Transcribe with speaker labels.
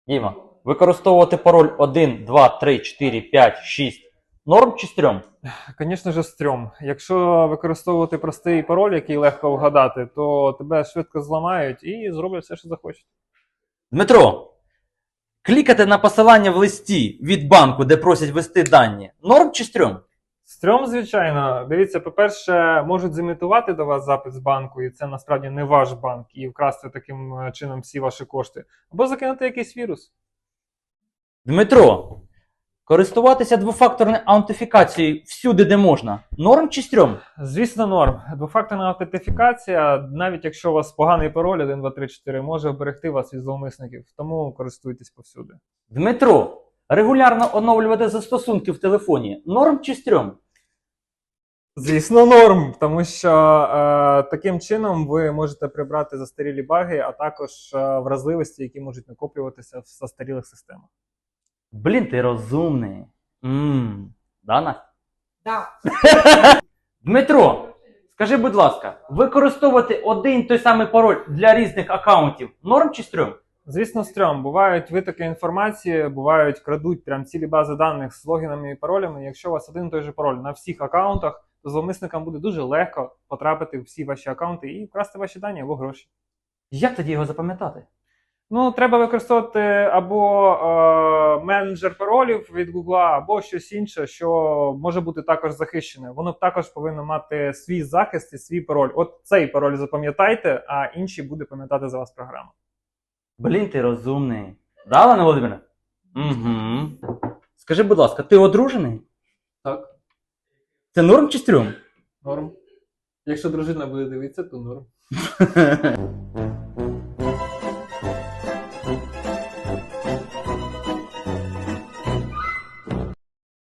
Speaker 1: Діма, використовувати пароль 1, 2, 3, 4, 5, 6. Норм чи стрьом?
Speaker 2: Звісно ж, стрьом. Якщо використовувати простий пароль, який легко вгадати, то тебе швидко зламають і зроблять все, що захочуть.
Speaker 1: Дмитро, клікати на посилання в листі від банку, де просять ввести дані. Норм чи стрьом?
Speaker 2: Стрьом, звичайно. Дивіться, по-перше, можуть зімітувати до вас запит з банку, і це насправді не ваш банк, і вкрасти таким чином всі ваші кошти. Або закинути якийсь вірус.
Speaker 1: Дмитро, користуватися двофакторною аутентифікацією всюди, де можна. Норм чи стрьом?
Speaker 2: Звісно, норм. Двофакторна аутентифікація, навіть якщо у вас поганий пароль 1, 2, 3, 4, може вберегти вас від зловмисників. Тому користуйтесь повсюди.
Speaker 1: Дмитро, регулярно оновлювати застосунки в телефоні. Норм чи стрьом?
Speaker 2: Звісно, норм, тому що таким чином ви можете прибрати застарілі баги, а також вразливості, які можуть накоплюватися в застарілих системах.
Speaker 1: Блін, ти розумний. Да, Настя?
Speaker 3: Да.
Speaker 1: Дмитро, скажи, будь ласка, використовувати один той самий пароль для різних аккаунтів норм чи стрьом?
Speaker 2: Звісно, стрьом. Бувають витоки інформації, бувають крадуть прям цілі бази даних з логінами і паролями. Якщо у вас один і той же пароль на всіх аккаунтах, то зловмисникам буде дуже легко потрапити в всі ваші аккаунти і вкрасти ваші дані або гроші.
Speaker 1: Як тоді його запам'ятати?
Speaker 2: Ну, треба використовувати або менеджер паролів від Google, або щось інше, що може бути також захищене. Воно також повинно мати свій захист і свій пароль. От цей пароль запам'ятайте, а інші буде пам'ятати за вас програма.
Speaker 1: Блін, ти розумний. Да, Олена Володимирівна? Угу. Скажи, будь ласка, ти одружений?
Speaker 2: Так,
Speaker 1: Це норм чи стрьом?
Speaker 2: норм. Якщо дружина буде дивитися, то норм.